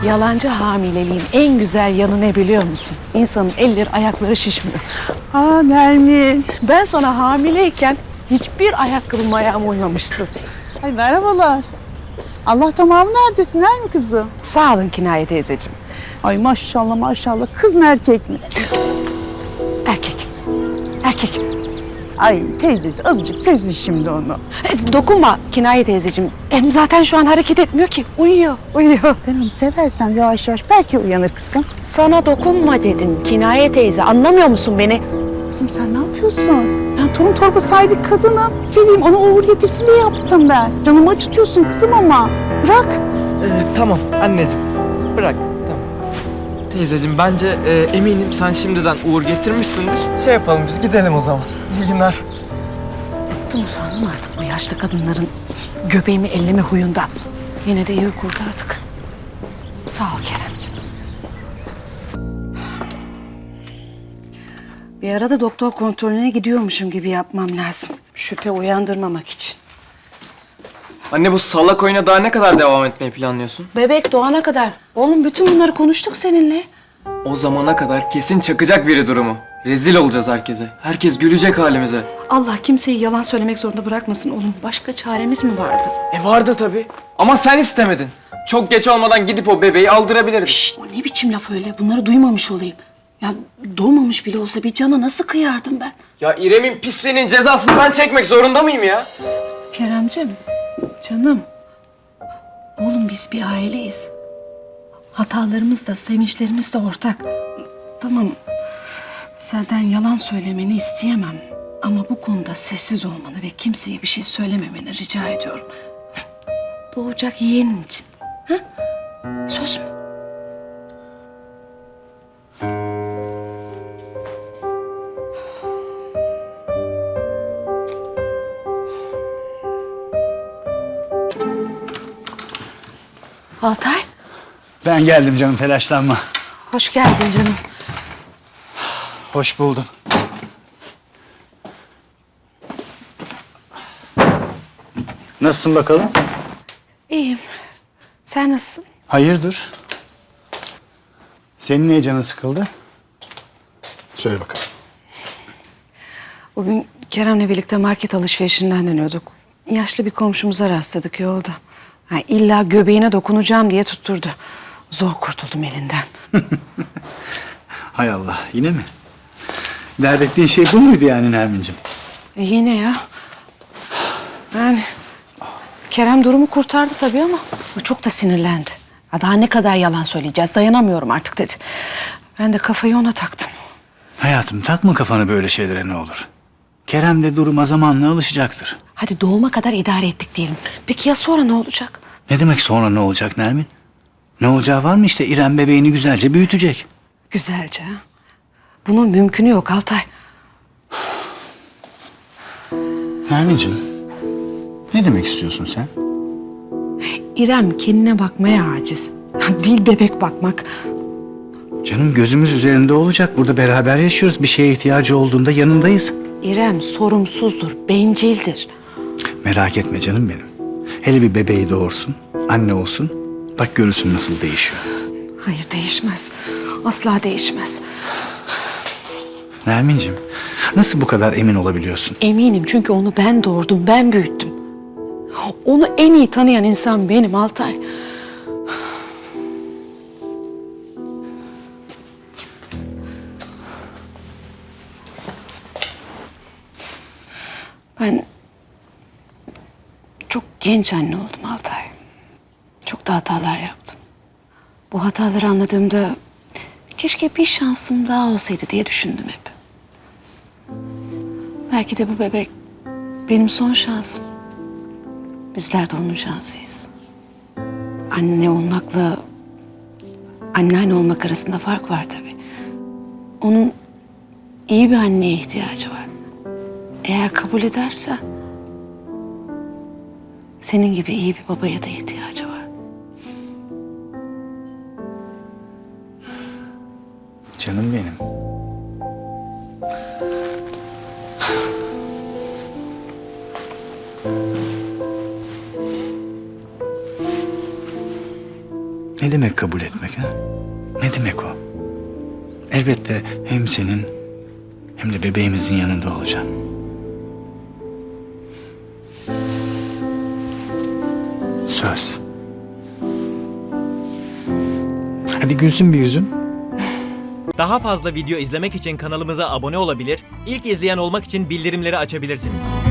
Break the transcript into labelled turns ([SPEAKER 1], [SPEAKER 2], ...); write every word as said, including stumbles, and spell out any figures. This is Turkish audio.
[SPEAKER 1] Yalancı hamileliğin en güzel yanı ne biliyor musun? İnsanın elleri ayakları şişmiyor.
[SPEAKER 2] Aa Nermin.
[SPEAKER 1] Ben sana hamileyken hiçbir ayakkabım ayağıma uymamıştı.
[SPEAKER 2] Ay merhabalar. Allah tamamı neredesin Nermin kızım?
[SPEAKER 1] Sağ olun Kinaye teyzeciğim.
[SPEAKER 2] Ay maşallah maşallah. Kız mı erkek mi?
[SPEAKER 1] Erkek. Erkek.
[SPEAKER 2] Ay teyzesi azıcık sevsin şimdi onu.
[SPEAKER 1] E, dokunma Kinaye teyzeciğim. Hem zaten şu an hareket etmiyor ki. Uyuyor, uyuyor.
[SPEAKER 2] Ben onu seversem yavaş yavaş belki uyanır kızım.
[SPEAKER 1] Sana dokunma dedim Kinaye teyze. Anlamıyor musun beni?
[SPEAKER 2] Kızım sen ne yapıyorsun? Ben torun torba sahibi kadınım. Seveyim onu uğur getirsin diye yaptım ben. Canımı acıtıyorsun kızım ama. Bırak.
[SPEAKER 3] Ee, tamam anneciğim. Bırak. Tamam. Teyzeciğim bence e, eminim sen şimdiden uğur getirmişsindir. Şey yapalım biz gidelim o zaman. İyi günler.
[SPEAKER 1] Bıktım usandım artık bu yaşlı kadınların göbeğimi elleme huyundan. Yine de iyi kurtardık. Sağ ol Keremciğim. Bir arada doktor kontrolüne gidiyormuşum gibi yapmam lazım. Şüphe uyandırmamak için.
[SPEAKER 3] Anne bu salak oyuna daha ne kadar devam etmeyi planlıyorsun?
[SPEAKER 1] Bebek doğana kadar. Oğlum bütün bunları konuştuk seninle.
[SPEAKER 3] O zamana kadar kesin çakacak biri durumu. Rezil olacağız herkese. Herkes gülecek halimize.
[SPEAKER 1] Allah kimseyi yalan söylemek zorunda bırakmasın oğlum. Başka çaremiz mi vardı?
[SPEAKER 3] E vardı tabii. Ama sen istemedin. Çok geç olmadan gidip o bebeği aldırabilirdin.
[SPEAKER 1] Şşt, o ne biçim laf öyle? Bunları duymamış olayım. Ya doğmamış bile olsa bir cana nasıl kıyardım ben?
[SPEAKER 3] Ya İrem'in pisliğinin cezasını ben çekmek zorunda mıyım ya?
[SPEAKER 1] Keremcim, canım. Oğlum biz bir aileyiz. Hatalarımız da, sevinçlerimiz de ortak. Tamam, senden yalan söylemeni isteyemem. Ama bu konuda sessiz olmanı ve kimseye bir şey söylememeni rica ediyorum. Doğacak yeğenin için. Ha? Söz mü? Altay,
[SPEAKER 4] Ben geldim canım, telaşlanma.
[SPEAKER 1] hoş geldin canım.
[SPEAKER 4] Hoş buldum. Nasılsın bakalım?
[SPEAKER 1] İyiyim. Sen nasılsın?
[SPEAKER 4] Hayırdır? Senin niye canın sıkıldı? Söyle bakalım.
[SPEAKER 1] Bugün Kerem'le birlikte market alışverişinden dönüyorduk. Yaşlı bir komşumuza rastladık yolda. Ha, illa göbeğine dokunacağım diye tutturdu. Zor kurtuldum elinden.
[SPEAKER 4] Hay Allah, yine mi? Dert ettiğin şey bu muydu yani Nermin'cim?
[SPEAKER 1] E yine ya. Yani Kerem durumu kurtardı tabii ama o çok da sinirlendi. Ya daha ne kadar yalan söyleyeceğiz, dayanamıyorum artık dedi. Ben de kafayı ona taktım.
[SPEAKER 4] Hayatım, takma kafanı böyle şeylere, ne olur. Kerem de duruma zamanla alışacaktır.
[SPEAKER 1] Hadi doğuma kadar idare ettik diyelim. Peki ya sonra ne olacak?
[SPEAKER 4] Ne demek sonra ne olacak Nermin? Ne olacağı var mı işte, İrem bebeğini güzelce büyütecek.
[SPEAKER 1] Güzelce ha? Bunun mümkünü yok Altay.
[SPEAKER 4] Nermin'cim, ne demek istiyorsun sen?
[SPEAKER 1] İrem kendine bakmaya aciz. Değil bebek bakmak.
[SPEAKER 4] Canım gözümüz üzerinde olacak. Burada beraber yaşıyoruz. Bir şeye ihtiyacı olduğunda yanındayız.
[SPEAKER 1] İrem sorumsuzdur, bencildir.
[SPEAKER 4] Merak etme canım benim. Hele bir bebeği doğursun, anne olsun. Bak görürsün nasıl değişiyor.
[SPEAKER 1] Hayır değişmez. Asla değişmez.
[SPEAKER 4] Nermin'cim, nasıl bu kadar emin olabiliyorsun?
[SPEAKER 1] Eminim çünkü onu ben doğurdum, ben büyüttüm. Onu en iyi tanıyan insan benim Altay. Ben çok genç anne oldum Altay. Çok da hatalar yaptım. Bu hataları anladığımda keşke bir şansım daha olsaydı diye düşündüm hep. Belki de bu bebek benim son şansım. Bizler de onun şansıyız. Anne olmakla anneanne olmak arasında fark var tabii. Onun iyi bir anneye ihtiyacı var. Eğer kabul ederse senin gibi iyi bir babaya da ihtiyacı var.
[SPEAKER 4] Canım benim. Ne demek kabul etmek ha? Ne demek o? Elbette hem senin hem de bebeğimizin yanında olacağım. Söz. Hadi gülsün bir yüzün.
[SPEAKER 5] Daha fazla video izlemek için kanalımıza abone olabilir, ilk izleyen olmak için bildirimleri açabilirsiniz.